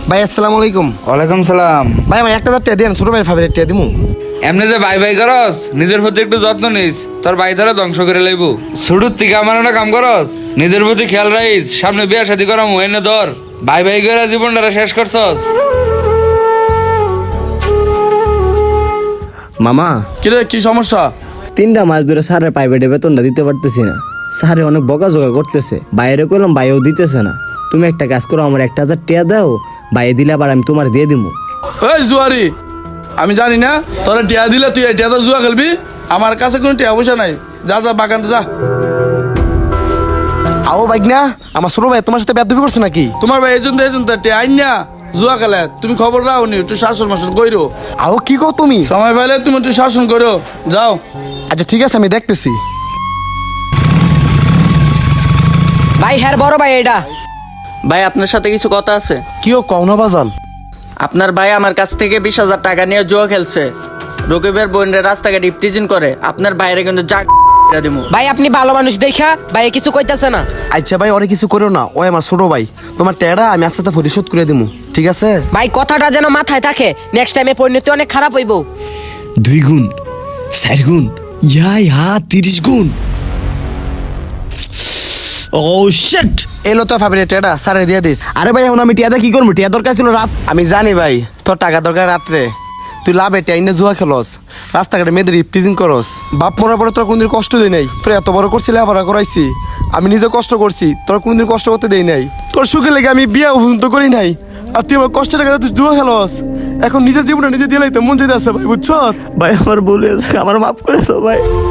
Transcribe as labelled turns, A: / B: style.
A: ভাই আসসালামু আলাইকুম।
B: ওয়ালাইকুম সালাম।
A: ভাই আমার 1000 টাকা দেন, ছোট ভাইয়ের ফাইভের টাকা দিমু।
B: এমনি যে ভাই ভাই করস, নিজের প্রতি একটু যত্ন নিস, তোর ভাই ধরে ধ্বংস করে লইব। শুরুর থেকে আমার একটা কাম করস, নিজের প্রতি খেয়াল রাখিস। সামনে বিয়া শাদী করাম, এনে ধর ভাই ভাই করে জীবনটা শেষ করছস।
C: মামা
D: কিরে কি সমস্যা?
C: 3টা মাস ধরে স্যারের প্রাইভেটে বেতনটা দিতে পারতেছি না। স্যারে অনেক বকাঝকা করতেছে, বাইরে করলাম বাইরেও দিতেছে না। তুমি একটা কাজ করো, আমার 1000 টাকা দাও, বাইরে দিলে আবার আমি তোমার দিয়ে দিবো।
D: ওই জুয়ারি, আমি জানি না তোরা টিয়া দিলে তুই এই টিয়াটা জুয়া খেলবি? আমার কাছে কোনো টিয়া পয়সা নাই। যা যা বাগান যা।
A: আও বাইক না, আমার ছোট ভাই তোমার সাথে বেয়াদবি করছে নাকি?
D: তোমার ভাই এজেন্ট টিয়া আইন না জুয়া খেলে, তুমি খবর রাও নি, একটু শাসন মাসন কইরো।
A: আও কি কও তুমি?
D: সময় পাইলে তুমি একটু শাসন করো, যাও।
A: আচ্ছা ঠিক আছে, আমি দেখতেছি।
E: ভাই হ্যাঁ বড় ভাই এটা।
F: ভাই আপনার সাথে কিছু কথা আছে।
A: কিও কও না বাজান।
F: আপনার ভাই আমার কাছ থেকে 20,000 টাকা নিয়ে জুয়া খেলছে, রকিবের বোনের রাস্তাঘাটে ইফটিজিং করে। আপনার বাইরে কিন্তু যা দিমু।
E: ভাই আপনি ভালো মানুষ দেখা ভাই কিছু কইতাছে না।
A: আচ্ছা ভাই, ওরে কিছু করো না, ওই আমার ছোট ভাই। তোমার টাকাটা আমি আস্তে আস্তে পরিশোধ করে দিমু, ঠিক আছে?
E: ভাই কথাটা যেন মাথায় থাকে, নেক্সট টাইমে পরিণতি অনেক খারাপ হইব।
C: 2 গুণ 4 গুণ ইয়া 30 গুণ। Oh shit!
A: এলো তো ফাইভের টাকাটা, স্যারে দিয়ে দিস।
C: আরে ভাই এখন আমি টিয়াদা কি করবো? টিয়া দরকার ছিল রাত।
A: আমি জানি ভাই, তোর টাকা দরকার রাত্রে। তুই লাভে টাইনে জুয়া খেলস, রাস্তাঘাটে মেয়েদের ইফটিজিং করস। বাপ মরার পরে তোর কোনদিন কষ্ট দেই নাই। তোর এত বড় করছি, লেখাপড়া করাইছি, আমি নিজে কষ্ট করছি, তোর কোনদিন কষ্ট করতে দেই নাই। তোর সুখে লেগে আমি বিয়ে পর্যন্ত করি নাই, আর তুই আমার কষ্টের টাকা তুই জুয়া খেলস। এখন নিজের জীবনটা নিজে দিয়ে লাইতে মন যেতে আছে ভাই, বুঝছ?
C: ভাই আমার ভুল হয়েছে, আমার মাফ করে দাও ভাই।